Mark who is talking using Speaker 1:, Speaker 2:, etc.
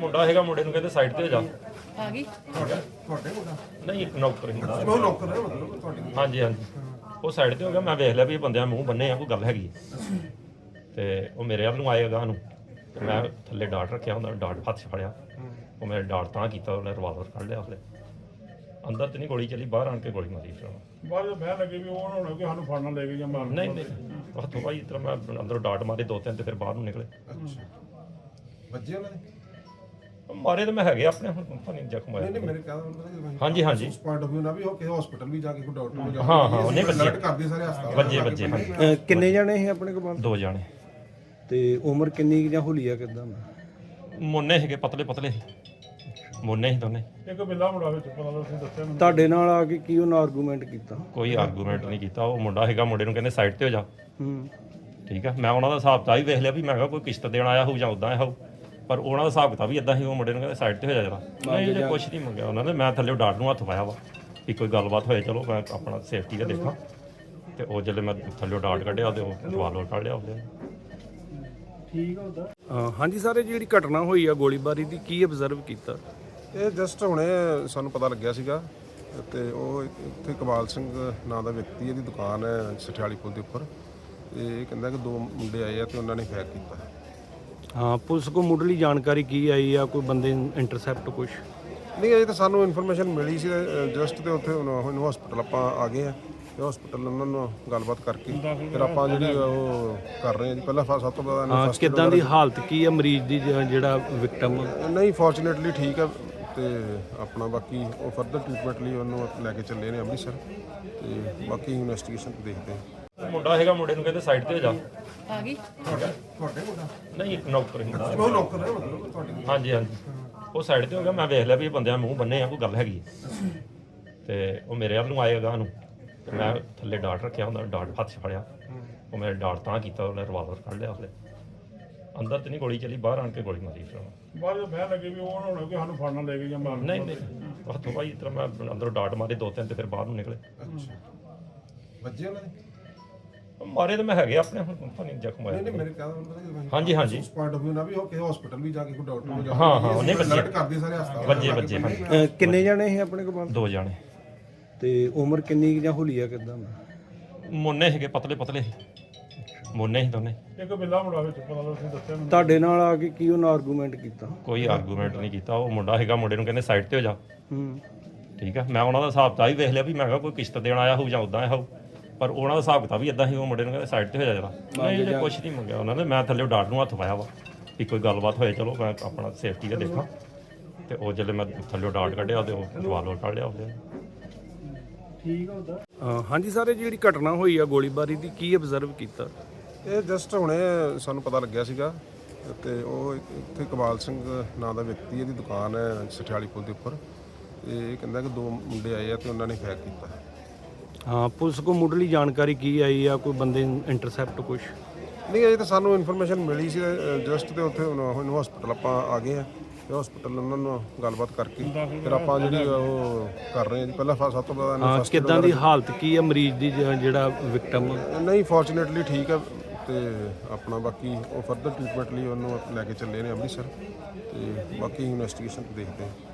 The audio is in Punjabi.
Speaker 1: ਮੁੰਡਾ ਹੈਗਾ, ਮੁੰਡੇ ਨੂੰ ਕਹਿੰਦੇ ਸਾਈਡ ਤੇ ਹੋ ਜਾ।
Speaker 2: ਆ ਗਈ
Speaker 3: ਤੁਹਾਡੇ ਮੁੰਡਾ
Speaker 1: ਨਹੀਂ, ਇੱਕ ਨੌਕਰ ਹੀ।
Speaker 3: ਉਹ ਨੌਕਰ ਹੈ ਮਤਲਬ ਤੁਹਾਡੇ
Speaker 1: ਹਾਂਜੀ ਹਾਂਜੀ, ਉਹ ਸਾਈਡ ਤੇ ਹੋ ਗਿਆ। ਮੈਂ ਵੇਖ ਲਿਆ ਵੀ ਇਹ ਬੰਦਿਆਂ ਮੂੰਹ ਬੰਨੇ ਆ, ਕੋਈ ਗੱਲ ਹੈਗੀ ਹੈ। ਤੇ ਉਹ ਮੇਰੇ ਵੱਲ ਨੂੰ ਆਏਗਾ ਨੂੰ, ਤੇ ਮੈਂ ਥੱਲੇ ਡਾਟ ਰੱਖਿਆ ਹੁੰਦਾ, ਡਾਟ ਹੱਥ 'ਚ ਫੜਿਆ। ਉਹ ਮੇਰੇ ਡਾਟ ਤਾਂ ਕੀਤਾ, ਉਹਨੇ ਰਿਵਾਲਵਰ ਕੱਢ ਲਿਆ। ਉਹਦੇ ਅੰਦਰ ਤੇ ਨਹੀਂ ਗੋਲੀ ਚੱਲੀ, ਬਾਹਰ ਆਣ ਕੇ ਗੋਲੀ ਮਾਰੀ ਫਿਰ ਉਹਨੇ।
Speaker 4: ਬਾਅਦ ਵਿੱਚ ਬਹਿ ਲੱਗੇ ਵੀ ਉਹ ਨਾ ਹੋਣਾ ਕਿ ਸਾਨੂੰ ਫੜਨਾ ਲੈ ਕੇ ਜਾਂ ਮਾਰਨ।
Speaker 1: ਨਹੀਂ ਨਹੀਂ, ਹੱਥੋਂ ਭਾਈ ਇਸ ਤਰ੍ਹਾਂ ਮੈਂ ਅੰਦਰੋਂ ਡਾਟ ਮਾਰੇ 2-3 ਤੇ ਫਿਰ ਬਾਹਰ ਨੂੰ ਨਿਕਲੇ।
Speaker 3: ਵੱਜੇ ਉਹਨਾਂ ਦੇ
Speaker 1: ਮਾਰੇ ਤਾਂ ਮੈਂ ਹੈਗੇ ਆਪਣੇ, ਹੁਣ ਪਤਾ ਨਹੀਂ ਜ਼ਖਮ ਹੋਇਆ।
Speaker 3: ਨਹੀਂ ਮੇਰੇ ਕਹਿੰਦਾ
Speaker 1: ਹਾਂਜੀ ਹਾਂਜੀ,
Speaker 3: ਉਸ ਪੁਆਇੰਟ ਆਫ View ਨਾ ਵੀ ਉਹ ਕਿਸੇ ਹਸਪੀਟਲ ਵੀ ਜਾ ਕੇ ਕੋਈ ਡਾਕਟਰ ਨੂੰ ਜਾ
Speaker 1: ਹਾਂ ਹਾਂ, ਉਹਨੇ
Speaker 3: ਅਲਰਟ ਕਰਦੇ ਸਾਰੇ ਹਸਪਤਾਲ
Speaker 1: ਵੱਜੇ ਵੱਜੇ ਹਾਂਜੀ,
Speaker 5: ਕਿੰਨੇ ਜਣੇ ਸੀ ਆਪਣੇ ਕੋਲ?
Speaker 1: 2 ਜਾਣੇ।
Speaker 5: ਤੇ ਉਮਰ ਕਿੰਨੀ ਕੁ ਜਾਂ ਹੁਲੀਆ ਕਿਦਾਂ?
Speaker 1: ਮੋਨੇ ਹੈਗੇ, ਪਤਲੇ ਪਤਲੇ ਮੋਨੇ ਸੀ ਦੋਨੇ।
Speaker 4: ਇੱਕ ਬਿੱਲਾ ਮੁੰਡਾ ਵਿੱਚ ਪਤਾ ਲੱਗ ਤੁਸੀਂ ਦੱਸਿਆ ਮੈਨੂੰ।
Speaker 5: ਤੁਹਾਡੇ ਨਾਲ ਆ ਕੇ ਕੀ ਉਹਨਾਂ ਆਰਗੂਮੈਂਟ ਕੀਤਾ?
Speaker 1: ਕੋਈ ਆਰਗੂਮੈਂਟ ਨਹੀਂ ਕੀਤਾ। ਉਹ ਮੁੰਡਾ ਹੈਗਾ, ਮੁੰਡੇ ਨੂੰ ਕਹਿੰਦੇ ਸਾਈਡ ਤੇ ਹੋ ਜਾ।
Speaker 5: ਹੂੰ,
Speaker 1: ਠੀਕ ਆ, ਮੈਂ ਉਹਨਾਂ ਦਾ ਹਿਸਾਬ ਤਾਂ ਵੀ ਵੇਖ ਲਿਆ ਵੀ ਮੈਂ ਕਿਹਾ ਕੋਈ ਕਿਸ਼ਤ ਦੇਣ ਆਇਆ ਹੋਊ ਜਾਂ ਉਦਾਂ ਆਇਆ ਹੋਊ, ਪਰ ਉਹਨਾਂ ਦਾ ਹਿਸਾਬ ਕਿਤਾਬ ਵੀ ਇਦਾਂ ਸੀ। ਉਹ ਮੁੰਡੇ ਨੂੰ ਕਹਿੰਦੇ ਸਾਈਡ ਤੇ ਹੋ ਜਾ ਜਰਾ। ਨਹੀਂ ਜੇ ਕੁਝ ਨਹੀਂ ਮੰਗਿਆ ਉਹਨਾਂ ਨੇ। ਮੈਂ ਥੱਲੇ ਡਾਟ ਨੂੰ ਹੱਥ ਪਾਇਆ ਵਾ ਵੀ ਕੋਈ ਗੱਲਬਾਤ ਹੋਏ, ਚਲੋ ਮੈਂ ਆਪਣਾ ਸੇਫਟੀ ਦਾ ਦੇਖਾਂ। ਤੇ ਉਹ ਜਦੋਂ ਮੈਂ ਥੱਲੇ ਡਾਟ ਕੱਢਿਆ ਉਹਦੇ ਰਿਵਾਲਵਰ ਕੱਢ ਲਿਆ ਉਹਦੇ।
Speaker 5: ਹਾਂਜੀ ਸਰ, ਇਹ ਜਿਹੜੀ ਘਟਨਾ ਹੋਈ ਆ ਗੋਲੀਬਾਰੀ ਦੀ, ਕੀ ਅਬਜ਼ਰਵ ਕੀਤਾ?
Speaker 3: ਇਹ ਜਸਟ ਹੁਣੇ ਸਾਨੂੰ ਪਤਾ ਲੱਗਿਆ ਸੀਗਾ ਤੇ ਉਹ ਇੱਥੇ ਇਕਬਾਲ ਸਿੰਘ ਨਾਂ ਦਾ ਵਿਅਕਤੀ, ਇਹਦੀ ਦੁਕਾਨ ਹੈ ਸਠਿਆਲੀ ਪੁਲ ਦੇ ਉੱਪਰ। ਤੇ ਇਹ ਕਹਿੰਦਾ ਕਿ 2 ਮੁੰਡੇ ਆਏ ਆ ਤੇ ਉਹਨਾਂ ਨੇ ਫਾਇਰ ਕੀਤਾ।
Speaker 5: ਹਾਂ, ਪੁਲਿਸ ਕੋ ਮੁੱਢਲੀ ਜਾਣਕਾਰੀ ਕੀ ਆਈ ਆ? ਕੋਈ ਬੰਦੇ ਇੰਟਰਸੈਪਟ ਕੁਛ?
Speaker 3: ਨਹੀਂ, ਅਜੇ ਤਾਂ ਸਾਨੂੰ ਇਨਫੋਰਮੇਸ਼ਨ ਮਿਲੀ ਸੀ ਜਸਟ, ਤੇ ਉੱਥੇ ਹੁਣ ਹਸਪੀਟਲ ਆਪਾਂ ਆ ਗਏ ਆ ਤੇ ਹਸਪੀਟਲ ਉਹਨਾਂ ਨੂੰ ਗੱਲਬਾਤ ਕਰਕੇ ਫਿਰ ਆਪਾਂ ਜਿਹੜੀ ਉਹ ਕਰ ਰਹੇ ਹਾਂ ਜੀ। ਪਹਿਲਾਂ ਸਭ ਤੋਂ ਪਹਿਲਾਂ
Speaker 5: ਹਾਂ, ਕਿੱਦਾਂ ਦੀ ਹਾਲਤ ਕੀ ਆ ਮਰੀਜ਼ ਦੀ, ਜਿਹੜਾ ਵਿਕਟਮ?
Speaker 3: ਨਹੀਂ, ਫੋਰਚੂਨੇਟਲੀ ਠੀਕ ਹੈ। ਤੇ ਆਪਣਾ ਬਾਕੀ ਉਹ ਫਰਦਰ ਟ੍ਰੀਟਮੈਂਟ ਲਈ ਉਹਨੂੰ ਲੈ ਕੇ ਚੱਲੇ ਨੇ ਅੰਮ੍ਰਿਤਸਰ। ਤੇ ਬਾਕੀ ਇਨਵੈਸਟੀਗੇਸ਼ਨ ਦੇਖਦੇ ਹਾਂ।
Speaker 1: ਮੁੰਡਾ ਹੈਗਾ, ਮੁੰਡੇ ਨੂੰ ਕਹਿੰਦੇ ਸਾਈਡ ਤੇ ਹੋ ਜਾ।
Speaker 2: ਆ ਗਈ
Speaker 3: ਤੁਹਾਡੇ ਮੁੰਡਾ
Speaker 1: ਨਹੀਂ, ਇੱਕ ਨੌਕਰ ਹੀ।
Speaker 3: ਉਹ ਨੌਕਰ ਹੈ ਮਤਲਬ ਤੁਹਾਡੇ
Speaker 1: ਹਾਂਜੀ ਹਾਂਜੀ, ਉਹ ਸਾਈਡ ਤੇ ਹੋ ਗਿਆ। ਮੈਂ ਵੇਖ ਲਿਆ ਵੀ ਇਹ ਬੰਦਿਆਂ ਮੂੰਹ ਬੰਨੇ ਆ, ਕੋਈ ਗੱਲ ਹੈਗੀ ਹੈ। ਤੇ ਉਹ ਮੇਰੇ ਵੱਲ ਨੂੰ ਆਏਗਾ ਨੂੰ, ਤੇ ਮੈਂ ਥੱਲੇ ਡਾਟ ਰੱਖਿਆ ਹੁੰਦਾ, ਡਾਟ ਹੱਥ 'ਚ ਫੜਿਆ। ਉਹ ਮੇਰੇ ਡਾਟ ਤਾਂ ਕੀਤਾ, ਉਹਨੇ ਰਿਵਾਲਵਰ ਕੱਢ ਲਿਆ। ਉਹਦੇ ਅੰਦਰ ਤੇ ਨਹੀਂ ਗੋਲੀ ਚੱਲੀ, ਬਾਹਰ ਆਣ ਕੇ ਗੋਲੀ ਮਾਰੀ ਫਿਰ ਉਹਨੇ।
Speaker 4: ਬਾਅਦ ਵਿੱਚ ਬਹਿ ਲੱਗੇ ਵੀ ਉਹ ਨਾ ਹੋਣਾ ਕਿ ਸਾਨੂੰ ਫੜਨਾ ਲੈ ਕੇ ਜਾਂ ਮਾਰਨ।
Speaker 1: ਨਹੀਂ ਨਹੀਂ, ਹੱਥੋਂ ਭਾਈ ਇਸ ਤਰ੍ਹਾਂ ਮੈਂ ਅੰਦਰੋਂ ਡਾਟ ਮਾਰੇ 2-3 ਤੇ ਫਿਰ ਬਾਹਰ ਨੂੰ ਨਿਕਲੇ।
Speaker 3: ਵੱਜੇ ਉਹਨਾਂ ਦੇ
Speaker 1: ਮਾਰੇ ਤਾਂ ਮੈਂ ਹੈਗੇ ਆਪਣੇ, ਹੁਣ ਪਤਾ ਨਹੀਂ ਜ਼ਖਮ ਹੋਇਆ।
Speaker 3: ਨਹੀਂ ਮੇਰੇ ਕਹਿੰਦਾ
Speaker 1: ਹਾਂਜੀ ਹਾਂਜੀ,
Speaker 3: ਉਸ ਪੁਆਇੰਟ ਆਫ View ਨਾ ਵੀ ਉਹ ਕਿਸੇ ਹਸਪੀਟਲ ਵੀ ਜਾ ਕੇ ਕੋਈ ਡਾਕਟਰ ਨੂੰ ਜਾ
Speaker 1: ਹਾਂ ਹਾਂ, ਉਹਨੇ
Speaker 3: ਅਲਰਟ ਕਰਦੇ ਸਾਰੇ ਹਸਪਤਾਲ
Speaker 1: ਵੱਜੇ ਵੱਜੇ ਹਾਂਜੀ,
Speaker 5: ਕਿੰਨੇ ਜਣੇ ਸੀ ਆਪਣੇ ਕੋਲ?
Speaker 1: 2 ਜਾਣੇ।
Speaker 5: ਤੇ ਉਮਰ ਕਿੰਨੀ ਕੁ ਜਾਂ ਹੁਲੀਆ ਕਿਦਾਂ?
Speaker 1: ਮੋਨੇ ਹੈਗੇ, ਪਤਲੇ ਪਤਲੇ ਮੋਨੇ ਸੀ ਦੋਨੇ।
Speaker 4: ਇੱਕ ਬਿੱਲਾ ਮੁੰਡਾ ਵਿੱਚ ਪਤਾ ਲੱਗ ਤੁਸੀਂ ਦੱਸਿਆ ਮੈਨੂੰ।
Speaker 5: ਤੁਹਾਡੇ ਨਾਲ ਆ ਕੇ ਕੀ ਉਹਨਾਂ ਆਰਗੂਮੈਂਟ ਕੀਤਾ?
Speaker 1: ਕੋਈ ਆਰਗੂਮੈਂਟ ਨਹੀਂ ਕੀਤਾ। ਉਹ ਮੁੰਡਾ ਹੈਗਾ, ਮੁੰਡੇ ਨੂੰ ਕਹਿੰਦੇ ਸਾਈਡ ਤੇ ਹੋ ਜਾ।
Speaker 5: ਹੂੰ,
Speaker 1: ਠੀਕ ਆ, ਮੈਂ ਉਹਨਾਂ ਦਾ ਹਿਸਾਬ ਤਾਂ ਵੀ ਵੇਖ ਲਿਆ ਵੀ ਮੈਂ ਕਿਹਾ ਕੋਈ ਕਿਸ਼ਤ ਦੇਣ ਆਇਆ ਹੋਊ ਜਾਂ ਉਦਾਂ ਆਇਆ ਹੋਊ, ਪਰ ਉਹਨਾਂ ਦਾ ਹਿਸਾਬ ਕਿਤਾਬ ਵੀ ਇਦਾਂ ਸੀ। ਉਹ ਮੁੰਡੇ ਨੂੰ ਕਹਿੰਦੇ ਸਾਈਡ ਤੇ ਹੋ ਜਾ ਜਰਾ। ਨਹੀਂ ਜੇ ਕੁਝ ਨਹੀਂ ਮੰਗਿਆ ਉਹਨਾਂ ਨੇ। ਮੈਂ ਥੱਲੇ ਡਾਟ ਨੂੰ ਹੱਥ ਪਾਇਆ ਵਾ ਵੀ ਕੋਈ ਗੱਲਬਾਤ ਹੋਏ, ਚਲੋ ਮੈਂ ਆਪਣਾ ਸੇਫਟੀ ਦਾ ਦੇਖਾਂ। ਤੇ ਉਹ ਜਦੋਂ ਮੈਂ ਥੱਲੇ ਡਾਟ ਕੱਢਿਆ ਉਹਦੇ ਰਿਵਾਲਵਰ ਕੱਢ ਲਿਆ ਉਹਦੇ।
Speaker 5: ਹਾਂਜੀ ਸਰ, ਇਹ ਜਿਹੜੀ ਘਟਨਾ ਹੋਈ ਆ ਗੋਲੀਬਾਰੀ ਦੀ, ਕੀ ਅਬਜ਼ਰਵ ਕੀਤਾ?
Speaker 3: ਇਹ ਜਸਟ ਹੁਣੇ ਸਾਨੂੰ ਪਤਾ ਲੱਗਿਆ ਸੀਗਾ ਤੇ ਉਹ ਇੱਥੇ ਇਕਬਾਲ ਸਿੰਘ ਨਾਂ ਦਾ ਵਿਅਕਤੀ, ਇਹਦੀ ਦੁਕਾਨ ਹੈ ਸਠਿਆਲੀ ਪੁਲ ਦੇ ਉੱਪਰ। ਤੇ ਇਹ ਕਹਿੰਦਾ ਕਿ 2 ਮੁੰਡੇ ਆਏ ਆ ਤੇ ਉਹਨਾਂ ਨੇ ਫਾਇਰ ਕੀਤਾ।
Speaker 5: ਹਾਂ, ਪੁਲਿਸ ਕੋ ਮੁੱਢਲੀ ਜਾਣਕਾਰੀ ਕੀ ਆਈ ਆ? ਕੋਈ ਬੰਦੇ ਇੰਟਰਸੈਪਟ ਕੁਛ?
Speaker 3: ਨਹੀਂ, ਅਜੇ ਤਾਂ ਸਾਨੂੰ ਇਨਫੋਰਮੇਸ਼ਨ ਮਿਲੀ ਸੀ ਜਸਟ, ਤੇ ਉੱਥੇ ਹੁਣ ਹਸਪੀਟਲ ਆਪਾਂ ਆ ਗਏ ਆ ਤੇ ਹਸਪੀਟਲ ਉਹਨਾਂ ਨੂੰ ਗੱਲਬਾਤ ਕਰਕੇ ਫਿਰ ਆਪਾਂ ਜਿਹੜੀ ਉਹ ਕਰ ਰਹੇ ਹਾਂ ਜੀ। ਪਹਿਲਾਂ ਸਭ ਤੋਂ ਪਹਿਲਾਂ
Speaker 5: ਹਾਂ, ਕਿੱਦਾਂ ਦੀ ਹਾਲਤ ਕੀ ਆ ਮਰੀਜ਼ ਦੀ, ਜਿਹੜਾ ਵਿਕਟਮ?
Speaker 3: ਨਹੀਂ, ਫੋਰਚੂਨੇਟਲੀ ਠੀਕ ਹੈ। ਤੇ ਆਪਣਾ ਬਾਕੀ ਉਹ ਫਰਦਰ ਟ੍ਰੀਟਮੈਂਟ ਲਈ ਉਹਨੂੰ ਲੈ ਕੇ ਚੱਲੇ ਨੇ ਅੰਮ੍ਰਿਤਸਰ। ਤੇ ਬਾਕੀ ਇਨਵੈਸਟੀਗੇਸ਼ਨ ਦੇਖਦੇ ਹਾਂ।